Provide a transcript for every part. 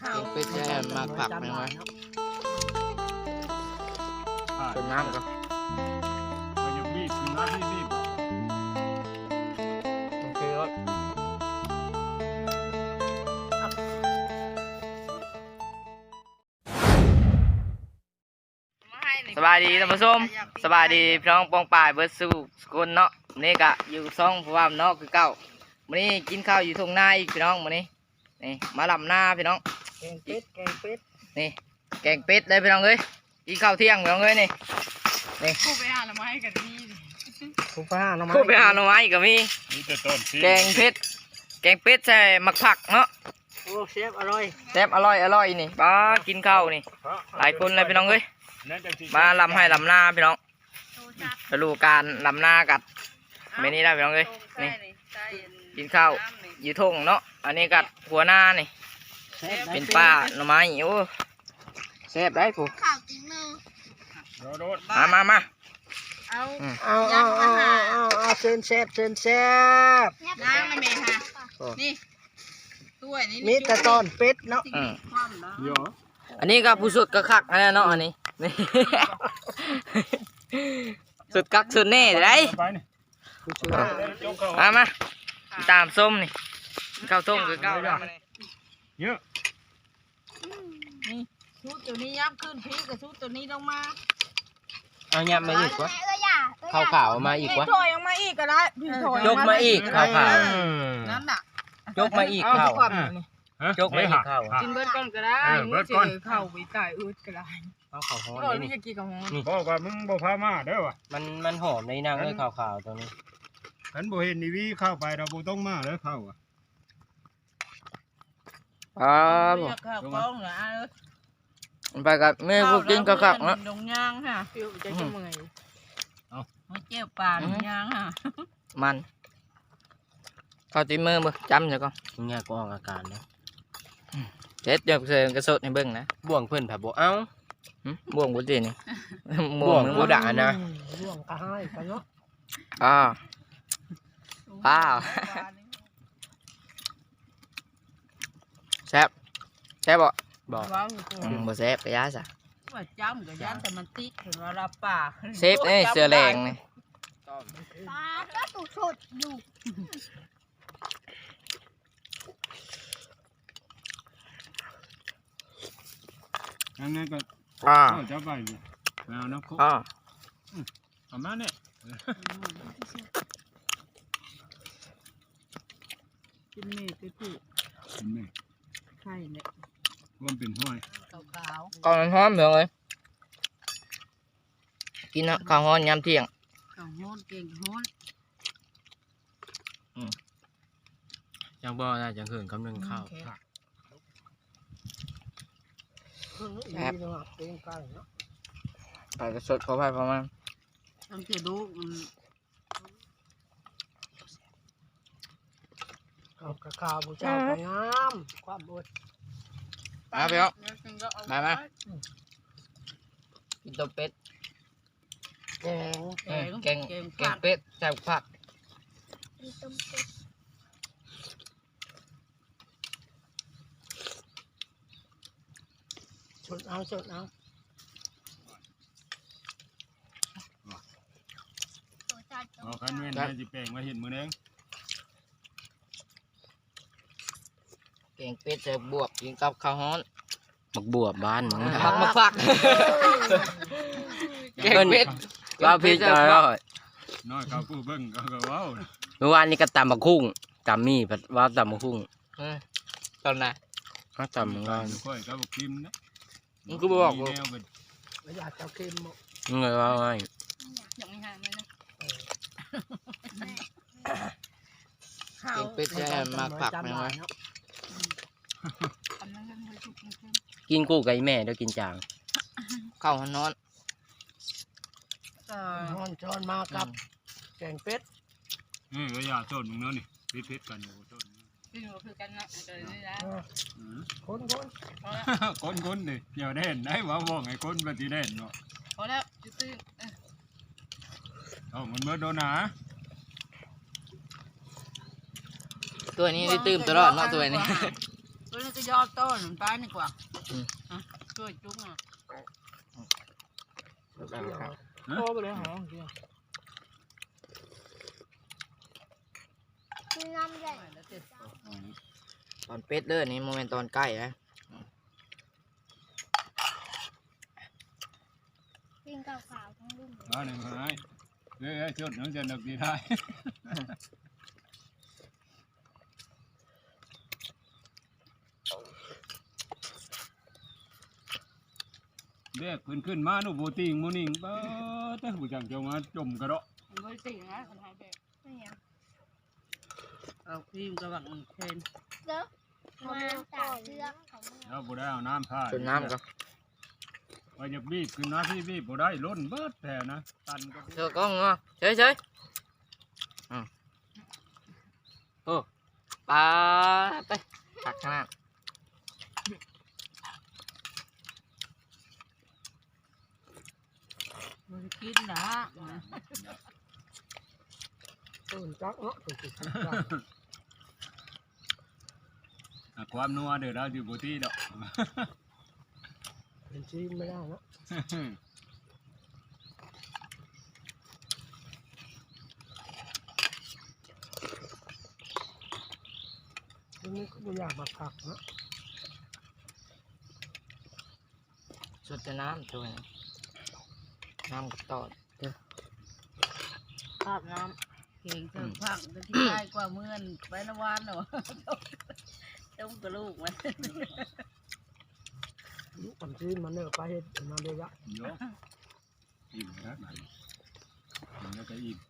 เป็ดแช่มากผักไหมวะเป็นน้ำก็มันยังบีบคือน้ำบีบโอเคครับสบายดีท่านผู้ชมสบายดีพี่น้องปองป่ายเบิร์ดสู้สกุลเนาะนี่กะอยู่ซ่องพวามเนาะคือเก่าวันนี้กินข้าวอยู่ทุ่งนาอีกพี่น้องวันนี้นี่มาลำหน้าพี่น้องแกงเป็ดนี่แกงเป็ดเลยพี่น้องเอ้ยกินข้าวเที่ยงพี่น้องเอ้ยนี่คู่ไปหาหน่อไม้กันนี่คู่ไปหาหน่อไม้ก็มีแกงเป็ดใส่หมักผักเนาะโอ้เชฟอร่อยนี่ป้ากินข้าวนี่หลายคนเลยพี่น้องเอ้ยมาลำให้ลำหน้าพี่น้องจะรู้การลำหน้ากัดไม่นี่ได้พี่น้องเอ้ยนี่กินข้าวอยู่ทุ่งเนาะอันนี้กัดหัวหน้านี่เป็นป้าหน่อไม้โอ้แซ่บได้ผู้ข่าวจริงนึงมาเอาเชิญแซ่บล้างนะเมย์ฮะนี่ตัวนี้มีแต่ตอนเป็ดเนาะอันนี้ก็ผู้สุดก็คักนะเนาะอันนี้สุดคักสุดแน่เลยมาตามส้มนี่ข้าวต้มคือข้าวเยอะนี่ชุดตัวนี้ยับขึ้นพีกับชุดตัวนี้ลงมาเอายับมาอีกวะข้าวขาวมาอีกวะถอยออกมาอีกก็ได้ยกมาอีกข้าวขาวนั่นน่ะยกมาอีกข้าวยกมาอีกข้าวกินเบิร์ดก่อนก็ได้เมื่อเจอข้าวไปตายอืดก็ได้ข้าวขาวหอมนี่จะกินกับหอมนี่บอกว่ามึงบอกพามาเด้อวะมันหอมในนางเลยข้าวขาวตรงนี้ฉันบอกเห็นนี่วิเข้าไปเราบุต้องมาแล้วเข้าอ่ะข้าวกล้องเหรอไปกับแม่พวกกินกระคักนะดงย่างฮะเปรี้ยวจะเมื่อยเอาเจียวปลาดงย่างฮะมันข้าวตีมือมือจำใช่ก่อนเนี่ยก็ออกอาการนะเจ็ดเดี๋ยวเสือกระสดให้เบิ่งนะบ่วงเพื่อนผับบ่เอ้าบ่วงบุตรนี่บ่วงบูดานะบ่วงกระห้ายกันเนาะป้าแซ่บบ่บ่แซ่บกระยาซะว่าจ้ำกระยาแต่มันติดเห็นว่าเราป่าเซฟนี่เสือแรงนี่ปลาก็ตุกสดอยู่ยังไงก็จะไปแล้วนะคุเอามาเนี่ยกินเมฆไปผูกกินเมฆไข่เนี่ยมันเป็นห้อยขาวก่อนหอมเหมือนเลยกินข้าวฮ้อนยามเที่ยงข้าวฮ้อนเก่งฮ้อนยังบ่ได้จังหื่นกำลังข้าวครับไปกระสดขอไปประมาณทำเสียดูข้าวบูชาไปงามความอดมาพี่น้องมากินต้มเป็ดแกงเป็ดใส่ผักสดเอาคันเว้นได้จิแปลงมาเห็นมือเองแกงเป็ดใส่บวบกินกับข้าวฮ้อนมักบวบบ้านมึงมักผักแกงเป็ดว่าพี่จะน้อยเขาพูดเบิ้งก็ว้าวเมื่อวานนี้ก็ตำบักคุ้งตำมี่ว่าตำบักคุ้งตอนไหนตำมึงว่าค่อยกับกิมนะมึงก็บอกว่าอยากจะกินมึงเลยว่าไงยังไม่หายเลยนะแกงเป็ดใช่มากผักไหมวะกินกู้กับแม่เดี๋ยวกินจางข้าวหันนอนจอนมากับแกงเป็ดก็อย่าโซนมึงเนาะนี่พิษกันอยู่โซนพี่หนูคือกันนะเดี๋ยวนี้นะคนดิเดี๋ยวเด่นได้ว่ามองไอ้คนปฏิเด่นเนาะพอแล้วตื้อมันเมื่อโดนหนาตัวนี้ได้ตื่มตลอดเนาะตัวนี้ตตัวนี้ก็ยอดต้นตายนี่กว่าช่วยจุ๊กอ่ะโตไปเลยหอมเดียวน้ำใหญ่ตอนเป็ดเด้อนี่โมเมนต์ตอนใกล้นะกินขาวๆทั้งรุ่ม đó này phải cái chốt nóจะđược gì thay เด็กขึ้นมาหนูโบติงโมนิงเบ้อแต่ผู้จังจะมาจมกระโดดมันไม่ติ่งนะคนไทยแบบไม่ยังเอาครีมกระบังเทนเด้อมาจากเชือกของมึงแล้วบ่ได้เอาน้ำผ้าจนน้ำก็ว่าจะบีบขึ้นนะพี่บีบบ่ได้ล้นเบิดแต่นะตันก็เธอก็งอเฉยโอ้ปลาไปตักข้างหน้ามันกินนะตื่นจักเนาะตื่นจักความนัวเดี๋ยวเราอยู่โบตีดอกเป็นชีไม่ได้เนาะทีนี้ก็ไม่อยากมาผักเนาะสุดจะน้ำตัวนี้น้ำกับตอดภาพน้ำเก่งเถิงพังจะที่ได้กว่าเมื่อนไปนวันเหรอต้มกระลูกมันปั่นชีมันเนื้อปลาเห็ดมาเลยละเยอะอิ่มนะมันอิ่มแล้วก็อิ่ม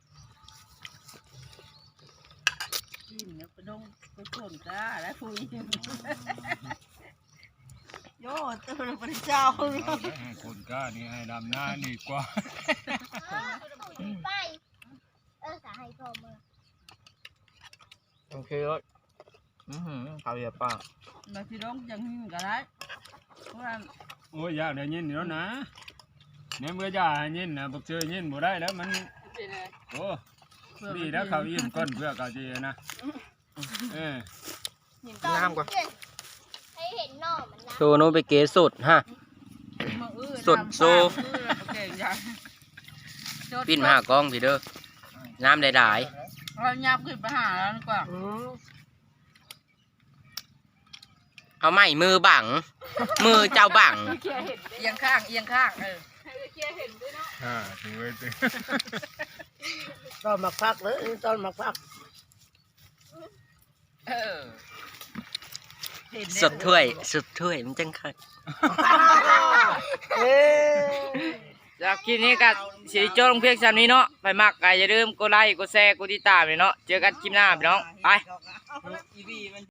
กินเนี่ยไปดงไปฝนก้าแล้วคุยโย่ตัวพระเจ้าเอาไปให้คนกล้านี่ให้ดำหน้าดีกว่าไปสาให้พ่อมือโอเคเลยข้าวเหนียวปลามาที่ดงยังหิ้งก็ได้เพราะว่าโอ้ยอยากได้ยินอยู่แล้วนะเนี่ยเมื่อจะให้ยินนะบอกเจอยินบ่ได้แล้วมันโอ้ดีแล้วเขาอิ่มก้นเพื่อเขาจีนะน้ำก่อนให้เห็นหน่อมันนะโชว์โนไปเกสุดฮะ สดโซ ปิ้นมาหากล้องพี่เด้อน้ำได้หลายเรายับขึ้นไปหาแล้วดีกว่าเอาไม้มือบัง มือเจ้าบังเอียงข้างเอียงข้างถือไว้ถือตอนมาพักเลยตอนมาพักสุดถ้วยสุดถ้วยมันจังคักจากคลิปนี้ก็สิโจ้ลงเพียงซ้ำนี้เนาะไปมักก็อย่าลืมกดไลค์กดแชร์กดติดตามเลยเนาะเจอกันคลิปหน้าพี่น้องไป